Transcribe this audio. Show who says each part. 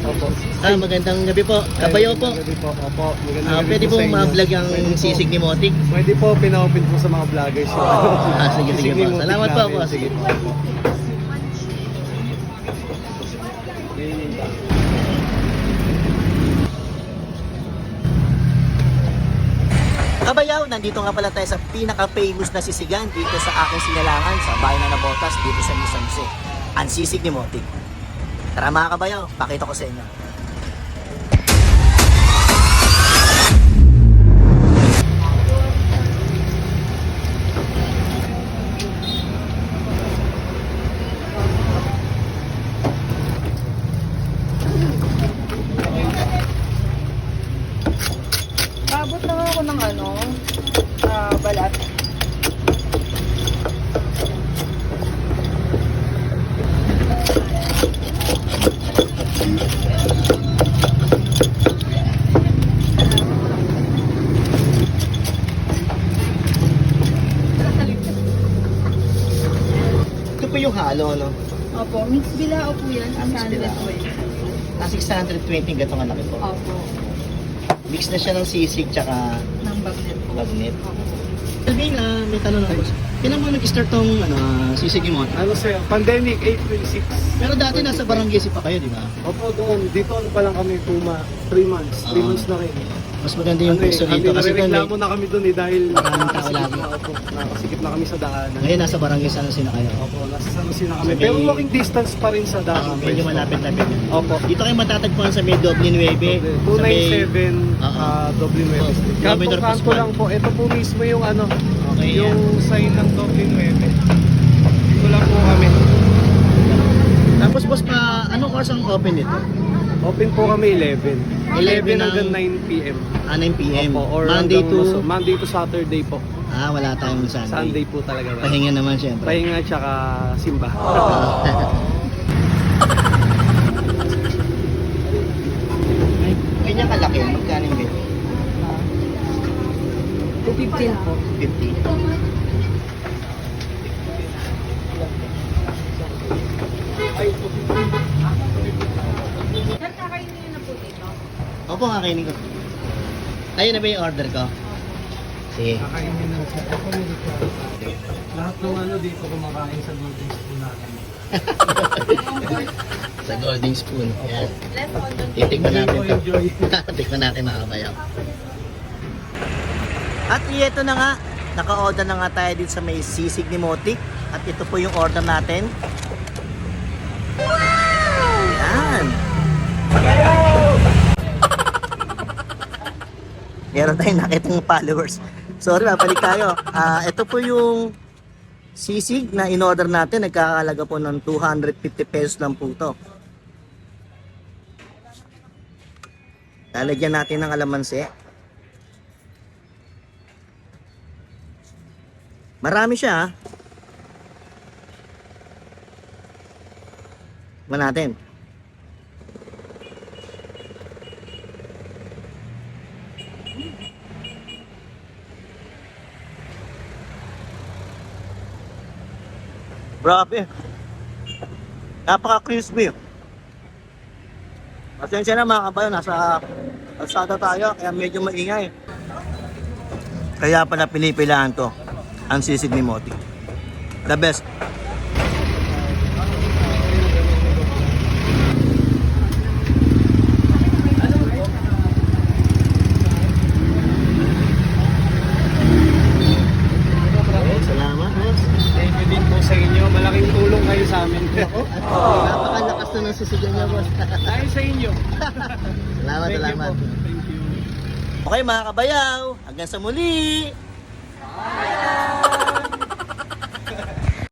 Speaker 1: Opo.
Speaker 2: Magandang gabi po. Kabayaw po.
Speaker 1: Magandang gabi po. Opo. Magandang gabi
Speaker 2: Pwede
Speaker 1: po
Speaker 2: po
Speaker 1: sa inyo.
Speaker 2: ma-vlog ang
Speaker 1: Pwede po.
Speaker 2: sisig ni Motik.
Speaker 1: Pwede po, pina-open po sa mga vloggers.
Speaker 2: Sige, sige po. Salamat po, boss.
Speaker 1: Sige po.
Speaker 2: Kabayaw, nandito nga pala tayo sa pinaka-famous na sisigan dito sa aking sinalangan sa bayan na Nabotas dito sa San Jose. Ang sisig ni Motik. Tara mga kabayaw, pakita ko sa inyo.
Speaker 3: Abot lang ako ng balat.
Speaker 2: Ito po yung halo, no?
Speaker 3: Opo, mix bilao po yan.
Speaker 2: Mix bilao.
Speaker 3: po yan.
Speaker 2: 620 gatong anak po.
Speaker 3: Opo,
Speaker 2: Mix na siya ng sisig tsaka
Speaker 3: ng bagnet po.
Speaker 2: bagnet.
Speaker 3: Opo.
Speaker 2: Sabihin may tanong na boss. Kailan mo nag-start tong sisig ni Motik?
Speaker 1: Ano sir, pandemic, April 6.
Speaker 2: Pero dati nasa barangay pa kayo, di ba?
Speaker 1: Opo, doon. Dito pa lang kami 3 months. 3 months na rin.
Speaker 2: Mas maganda yung piso dito kasi doon
Speaker 1: Nare-reklamo na kami doon dahil
Speaker 2: Maraming tao lagi.
Speaker 1: nakasikip na kami sa daanan.
Speaker 2: ngayon nasa barangay San Jose na kayo.
Speaker 1: Opo, nasa San Jose na kami.
Speaker 2: So,
Speaker 1: Pero
Speaker 2: may-
Speaker 1: walking distance pa rin sa daan.
Speaker 2: Medyo malapit-lapit.
Speaker 1: Opo.
Speaker 2: Dito kayo matatagpuan sa may Doble 9.
Speaker 1: 297 Dublin
Speaker 2: Oh,
Speaker 1: West.
Speaker 2: Kilometer
Speaker 1: Kanto
Speaker 2: Pascual.
Speaker 1: lang po. Ito po mismo yung
Speaker 2: Okay,
Speaker 1: yung sign ng Dublin 9. Dito lang po kami.
Speaker 2: Tapos boss anong oras ang open nito?
Speaker 1: Open po kami 11. 11
Speaker 2: ng-
Speaker 1: hanggang 9 p.m.
Speaker 2: 9 p.m.
Speaker 1: Opo, or
Speaker 2: Monday
Speaker 1: hanggang
Speaker 2: to...
Speaker 1: Monday to Saturday po.
Speaker 2: wala tayong Sunday.
Speaker 1: Sunday po talaga.
Speaker 2: Pahinga naman syempre.
Speaker 1: Pahinga tsaka simba.
Speaker 2: Ganyan kalaki, magkano yung bit?
Speaker 3: 215 po.
Speaker 2: 50.
Speaker 3: Sir, kakainin niyo na po dito.
Speaker 2: Opo, kakainin ko. Ayun na ba yung order ko? Sige.
Speaker 1: Kakainin na sa lahat ng dito kumakain sa Golden Spoon natin.
Speaker 2: Sa golden spoon. Yan.
Speaker 3: Less on the
Speaker 2: Titikman natin to.
Speaker 1: Enjoy.
Speaker 2: Tikman natin mga kabayaw. At ito na nga, naka-order na nga tayo dito sa may sisig ni Motik. At ito po yung order natin. Yan. Meron tayong nakitang followers. Sorry, mabalik tayo. Ito po yung sisig na in-order natin. Nagkakalaga po ng 250 pesos lang po ito. Lalagyan natin ng alamansi. Marami siya ha. Tikman natin. Grabe. Napaka-crispy. Pasensya na mga kabayo, nasa kalsada tayo, kaya medyo maingay. Kaya pala pinipilahan to, ang sisig ni Motik. The best. Salamat, boss.
Speaker 1: Thank you din po sa inyo. Malaking tulong kayo sa amin.
Speaker 2: Napakalakas na ng sisigan niya, boss.
Speaker 1: Dahil sa inyo.
Speaker 2: Salamat,
Speaker 1: Thank you
Speaker 2: salamat.
Speaker 1: po. Thank you.
Speaker 2: Okay mga kabayaw, hanggang sa muli!